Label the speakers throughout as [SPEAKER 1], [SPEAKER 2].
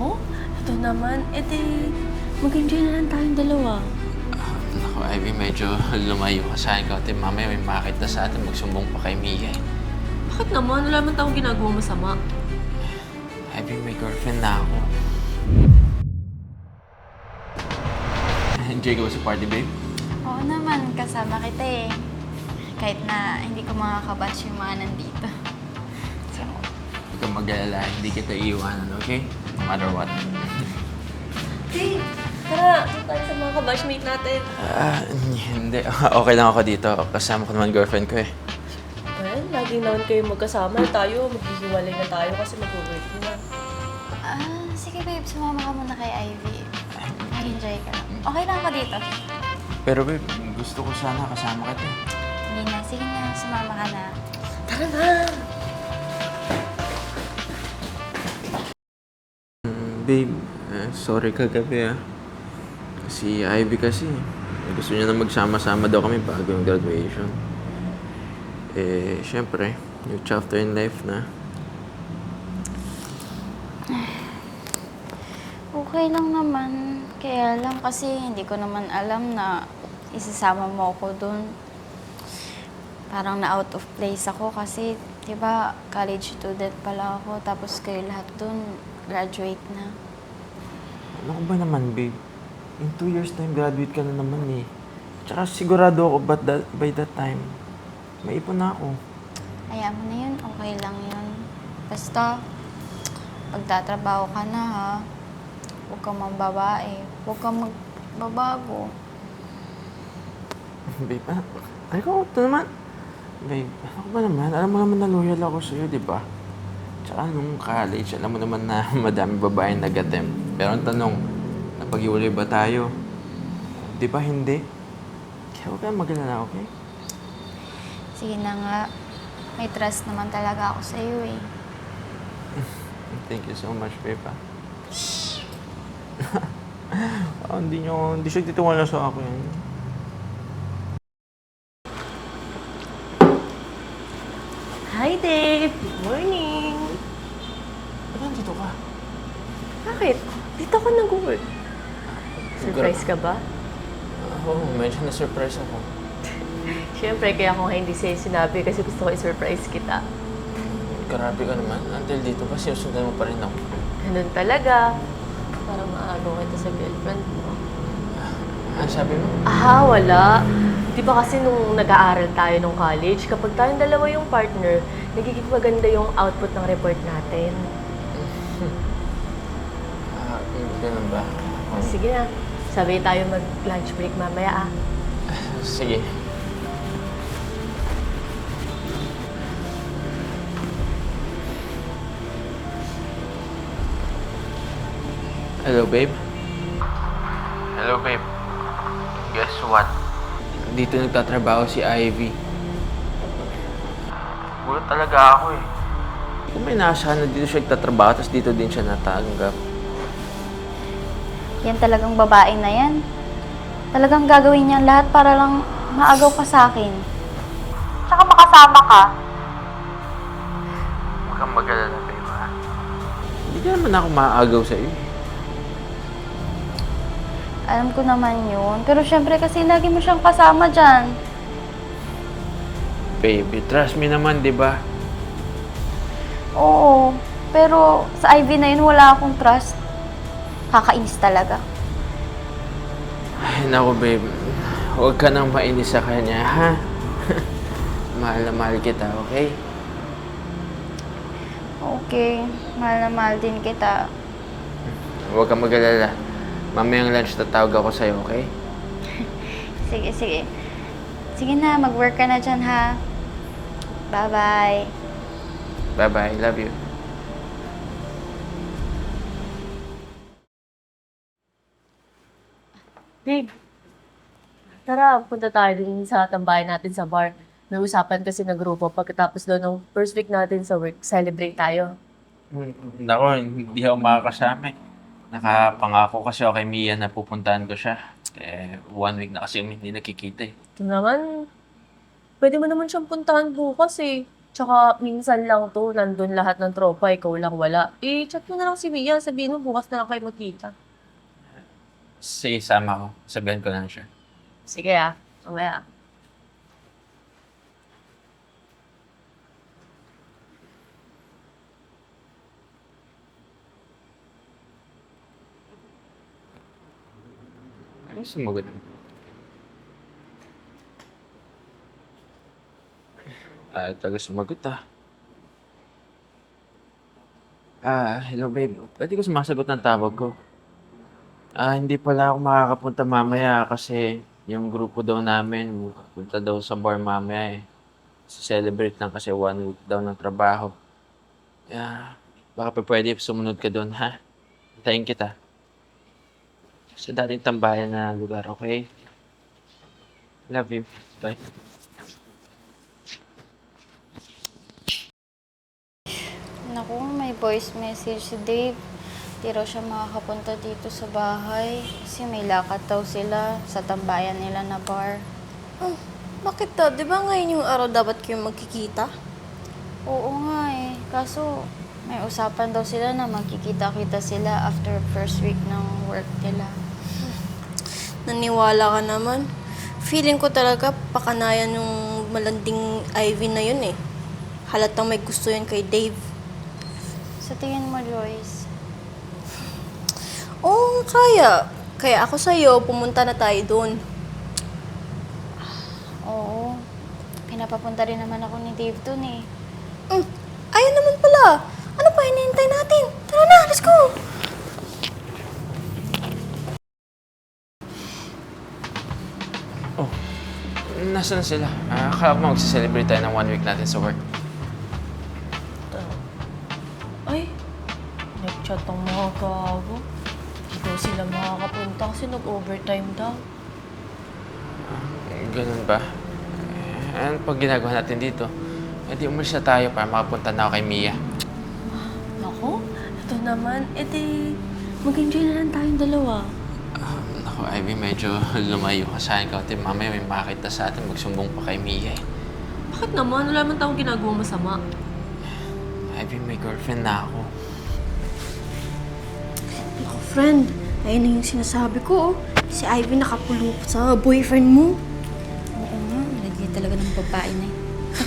[SPEAKER 1] Oh, ito naman. Mag-enjoy na lang tayong dalawa.
[SPEAKER 2] Naku, Ivy, medyo lumayo ka sa akin kasi mamaya may makita sa atin magsumbong pa kay Mia.
[SPEAKER 1] Bakit naman? Wala man tayong ginagawa masama.
[SPEAKER 2] Ivy, may girlfriend na ako. Enjoy ka ba sa party, babe?
[SPEAKER 3] Oo naman, kasama kita eh. Kahit na hindi ko makakabatch yung mga nandito.
[SPEAKER 2] So, huwag kang mag-alala, hindi kita iiwanan, okay? No matter what.
[SPEAKER 1] Hey, tara. Ito tayo sa mga kabashmate natin.
[SPEAKER 2] Hindi. Okay lang ako dito. Kasama ko naman girlfriend ko eh.
[SPEAKER 1] Well, laging naman kayo magkasama. Tayo, maghihiwalay na tayo kasi mag-work na.
[SPEAKER 3] Sige babe, sumama ka muna kay Ivy. Mag-enjoy ka lang. Okay lang ako dito.
[SPEAKER 2] Pero babe, gusto ko sana kasama kita.
[SPEAKER 3] Hindi na, sige na, sumama ka na.
[SPEAKER 1] Tara na!
[SPEAKER 2] Babe, sorry kagabi ah. Si Ivy kasi, gusto niya na magsama-sama daw kami bago yung graduation. Siyempre, new chapter in life na.
[SPEAKER 3] Okay lang naman. Kaya lang kasi hindi ko naman alam na isasama mo ako dun. Parang na out of place ako kasi, di ba, college student pala ako. Tapos kayo lahat dun, graduate na.
[SPEAKER 2] Ano ko ba naman, babe? In 2 years time, graduate ka na naman eh. Tsaka sigurado ako by that time, maipon na ako.
[SPEAKER 3] Hayaan mo na yun, okay lang yun. Basta, pagtatrabaho ka na ha, huwag kang mambabae, huwag kang magbabago.
[SPEAKER 2] Babe, ay ko, ito naman. Babe, ano ba naman? Alam mo naman na loyal ako sa'yo, di ba? Tsaka nung college, alam mo naman na madami babaeng nag-attempt. Pero ang tanong, napag-iwalay ba tayo? Di ba hindi? Kaya huwag kang mag-alala, okay?
[SPEAKER 3] Sige na nga, may trust naman talaga ako sa iyo eh.
[SPEAKER 2] Thank you so much, babe. Hindi siya titiwala sa akin.
[SPEAKER 1] Hi, Dave! Good morning!
[SPEAKER 2] Ba't nandito ka?
[SPEAKER 1] Bakit? Dito ka nag-work. Surprise ka ba?
[SPEAKER 2] Oo, medyo na-surprise ako.
[SPEAKER 1] Siyempre, kaya ako nga hindi sa'yo sinabi kasi gusto ko i-surprise kita.
[SPEAKER 2] Grabe ka naman. Until dito pa, sinusundan mo pa rin ako.
[SPEAKER 1] Ganun talaga. Para maagaw kita sa girlfriend mo.
[SPEAKER 2] Ano sabi mo?
[SPEAKER 1] Wala. Di ba kasi nung nag-aaral tayo nung college, kapag tayong dalawa yung partner, nagiging maganda yung output ng report natin.
[SPEAKER 2] Ganun ba?
[SPEAKER 1] Sige na. Sabay tayo mag-lunch break mamaya
[SPEAKER 2] Sige. Hello, babe? Hello, babe. Guess what? Dito nagtatrabaho si Ivy. Gulat talaga ako eh. Kung may naasahan na dito siya nagtatrabaho, tapos dito din siya natanggap.
[SPEAKER 3] Yan talagang babae na yan. Talagang gagawin niya lahat para lang maagaw ka sa akin. Tsaka makasama ka.
[SPEAKER 2] Huwag kang mag-alala, babe, ha? Hindi ka naman ako maaagaw sa'yo.
[SPEAKER 3] Alam ko naman yun. Pero syempre kasi lagi mo siyang kasama dyan.
[SPEAKER 2] Baby, trust me naman, di ba?
[SPEAKER 3] Oo. Pero sa Ivy na yun, wala akong trust. Kakainis talaga.
[SPEAKER 2] Ay, naku, babe. Huwag ka nang mainis sa kanya, ha? Mahal na mahal kita, okay?
[SPEAKER 3] Okay. Mahal na mahal din kita.
[SPEAKER 2] Huwag kang mag-alala. Mamayang lunch tatawag ako sa'yo, okay?
[SPEAKER 3] Sige, sige. Sige na, mag-work ka na dyan, ha? Bye-bye.
[SPEAKER 2] Bye-bye. Love you.
[SPEAKER 1] Babe, tara, punta tayo din sa tambayan natin sa bar. May usapan kasi na grupo pagkatapos daw ng first week natin sa work, celebrate tayo.
[SPEAKER 2] Nako, hindi ako makakasama. Nakapangako kasi ako kay Mia na pupuntahan ko siya. 1 week na kasi hindi nakikita eh.
[SPEAKER 1] Ito naman, pwede mo naman siyang puntahan bukas eh. Tsaka minsan lang 'to, nandun lahat ng tropa, ikaw lang wala. Eh, chat mo na lang si Mia, sabihin mo bukas na lang kayo magkita.
[SPEAKER 2] Sige, sama ko. Sabihan ko lang siya.
[SPEAKER 1] Sige ah, mamaya.
[SPEAKER 2] Ano sumagot? Taga sumagot hello babe. Pwede ko sumasagot ng tawag ko. Hindi pala ako makakapunta mamaya kasi yung grupo daw namin punta daw sa bar mamaya eh. Celebrate lang kasi 1 week daw ng trabaho. Baka pa pwede sumunod ka doon, ha? Hintayin kita. Sa dating tambayan na lugar, okay? Love you. Bye.
[SPEAKER 3] Naku, may voice message si Dave. Di raw siya makakapunta dito sa bahay kasi may lakad daw sila sa tambayan nila na bar.
[SPEAKER 4] Oh, bakit to? Di ba ngayon yung araw dapat kayo magkikita?
[SPEAKER 3] Oo nga eh. Kaso may usapan daw sila na magkikita-kita sila after first week ng work nila.
[SPEAKER 4] Naniwala ka naman. Feeling ko talaga pakanayan yung malanding Ivy na yun eh. Halatang may gusto yun kay Dave.
[SPEAKER 3] Sa tingin mo, Joyce?
[SPEAKER 4] Oo, kaya. Kaya ako sa'yo, pumunta na tayo doon.
[SPEAKER 3] Oo. Pinapapunta rin naman ako ni Dave dun eh.
[SPEAKER 4] Ayun naman pala. Ano pa hinihintay natin? Tara na, let's go!
[SPEAKER 2] Nasaan sila? Akala ko magsiselebrate tayo ng 1 week natin sa work.
[SPEAKER 1] Ay, nag-chat ang mga gago. Hindi daw sila makakapunta kasi nag-overtime daw.
[SPEAKER 2] Ganun ba? Ano pag ginagawa natin dito? Di umalis na tayo para makapunta na ako kay Mia.
[SPEAKER 1] Naku, ito naman. Mag-enjoy na lang tayong dalawa.
[SPEAKER 2] Naku, Ivy, medyo lumayo ka sa akin. Kasi mamaya may makita sa atin, magsumbong pa kay Mia eh.
[SPEAKER 1] Bakit naman? Wala man tayong ginagawa masama.
[SPEAKER 2] Ivy, may girlfriend na ako.
[SPEAKER 4] Naku, friend. Ayun na yung sinasabi ko, oh. Si Ivy nakapulong sa boyfriend mo.
[SPEAKER 3] Oo nga, malagay talaga ng babae na eh.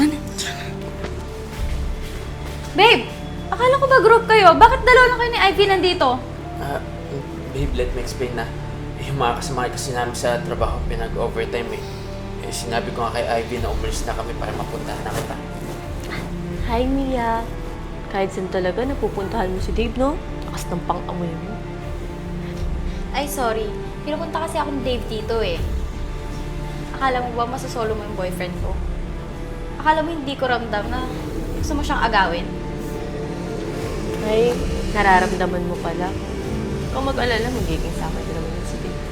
[SPEAKER 3] Babe! Akala ko ba group kayo? Bakit dalawa lang kayo ni Ivy nandito?
[SPEAKER 2] Babe, let me explain na. Yung mga kasama kasi namin sa trabaho, pinag-overtime eh. Sinabi ko nga kay Ivy na umalis na kami para mapuntahan na kita.
[SPEAKER 1] Hi, Mia. Kahit saan talaga, napupuntahan mo si Dave, no? Lakas ng pang-amoy mo.
[SPEAKER 3] Ay, sorry. Pinupunta kasi ako ni Dave dito eh. Akala mo ba masasolo mo yung boyfriend ko? Akala mo hindi ko ramdam na gusto mo siyang agawin?
[SPEAKER 1] Ay, nararamdaman mo pala. Kung mag-alala, magiging sa akin din naman si Dave.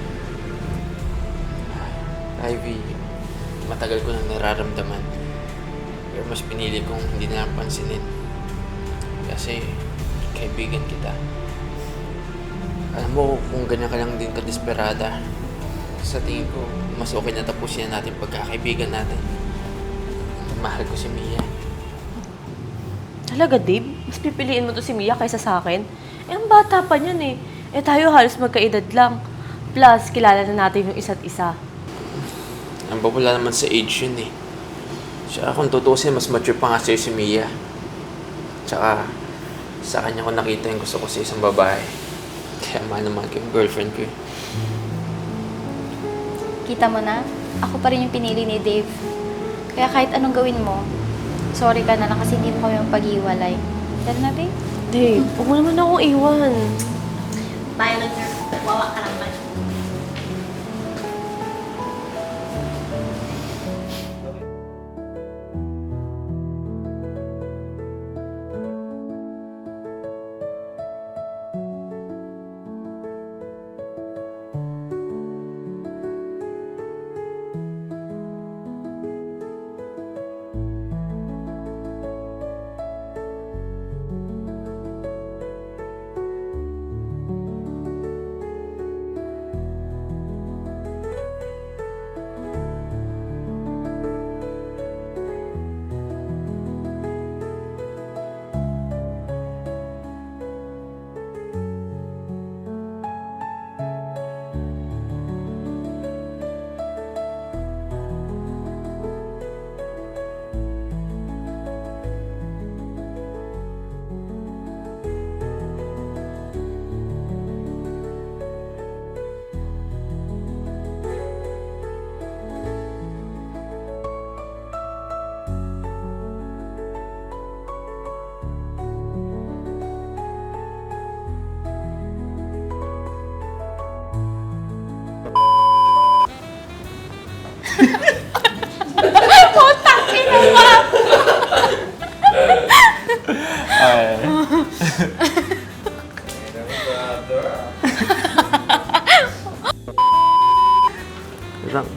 [SPEAKER 2] Ivy, matagal ko nang nararamdaman. Pero mas pinili kong hindi na lang pansinin. Kasi kaibigan kita. Alam mo, kung ganyan ka lang din kadesperada, sa tingin ko, mas okay na tapusin na natin pagkakaibigan natin. Mahal ko si Mia.
[SPEAKER 1] Talaga, Dave? Mas pipiliin mo to si Mia kaysa sa akin? Ang bata pa niyan eh. Tayo halos magkaedad lang. Plus, kilala na natin yung isa't isa.
[SPEAKER 2] Ang wala naman sa age yun eh. Tsaka kung tutusin, mas mature pa nga sa'yo si Mia. Tsaka, sa kanya ko nakita yung gusto ko sa isang babae. Kaya mahal naman ko yung girlfriend ko eh.
[SPEAKER 3] Kita mo na, ako pa rin yung pinili ni Dave. Kaya kahit anong gawin mo, sorry ka na lang kasi hindi mo kami magpag-iwalay. Tara na, babe.
[SPEAKER 1] Dave, huwag mo naman akong iwan.
[SPEAKER 4] Tayo lang, sir. Wawa ka naman.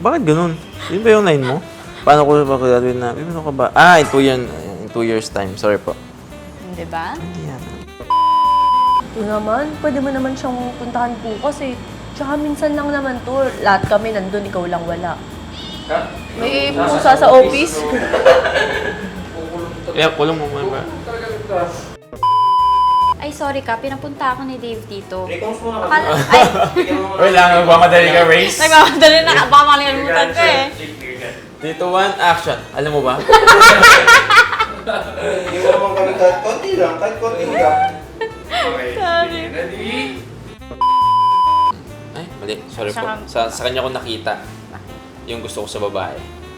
[SPEAKER 2] Bakit ganun? Yun ba yung line mo? Paano ko pa-graduate na? Ano ka ba? In 2 years time. Sorry po.
[SPEAKER 3] Di ba?
[SPEAKER 2] Hindi yan.
[SPEAKER 1] Ito naman, pwede mo naman siyang puntahan bukas eh. Tsaka minsan lang naman to. Lahat kami nandun, ikaw lang wala. May pusa sa office.
[SPEAKER 2] Kulong mo ba?
[SPEAKER 3] Ay, sorry ka. Pinapunta ako ni Dave dito.
[SPEAKER 2] Ay,
[SPEAKER 3] Ay,
[SPEAKER 2] lang. Magmamadali ka, Race.
[SPEAKER 3] nagmamadali na. Baka makalimutan ko eh.
[SPEAKER 2] Dito, 1, action. Alam mo ba?
[SPEAKER 5] Hindi mo naman kami kahit konti lang.
[SPEAKER 3] Sorry.
[SPEAKER 2] Ay, mali. Sorry po. Sa kanya ko nakita yung gusto ko sa babae.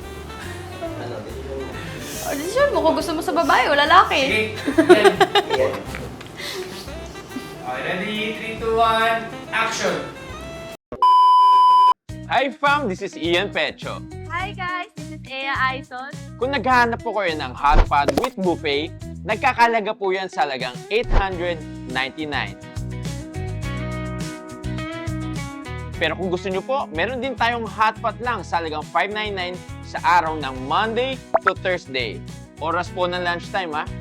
[SPEAKER 3] Oh, decision mo kung gusto mo sa babae o lalaki.
[SPEAKER 6] Ready? 3, 2, 1, action!
[SPEAKER 2] Hi fam, this is Ian Pecho.
[SPEAKER 1] Hi guys, this is Ea Aizon.
[SPEAKER 2] Kung naghahanap po kayo ng hot pot with buffet, nagkakalaga po yan sa halagang $899. Pero kung gusto nyo po, meron din tayong hot pot lang sa halagang $599 sa araw ng Monday to Thursday. Oras po ng lunchtime ha.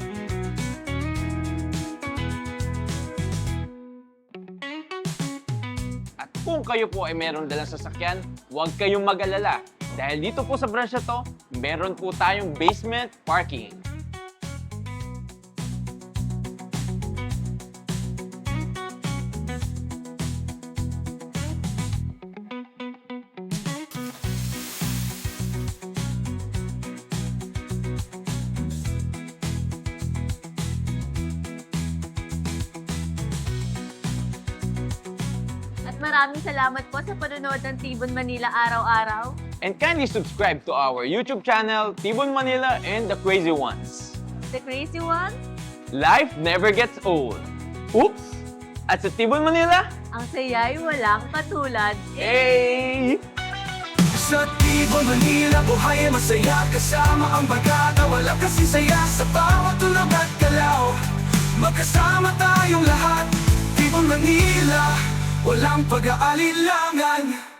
[SPEAKER 2] At kung kayo po ay meron dalang sasakyan, huwag kayong mag-alala. Dahil dito po sa branch na to, meron po tayong basement parking.
[SPEAKER 1] At maraming salamat po sa panonood ng Tibon Manila araw-araw.
[SPEAKER 2] And kindly subscribe to our YouTube channel, Tibon Manila and The Crazy Ones.
[SPEAKER 1] The Crazy One,
[SPEAKER 2] Life never gets old. Oops! At sa Tibon Manila,
[SPEAKER 1] ang saya'y walang katulad.
[SPEAKER 2] hey!
[SPEAKER 7] Sa Tibon, Manila, buhay ay masaya. Kasama ang bagata, wala kasi saya. Sa bawat tulog at galaw, magkasama tayong lahat. Tibon, Manila, walang pag-aalilangan.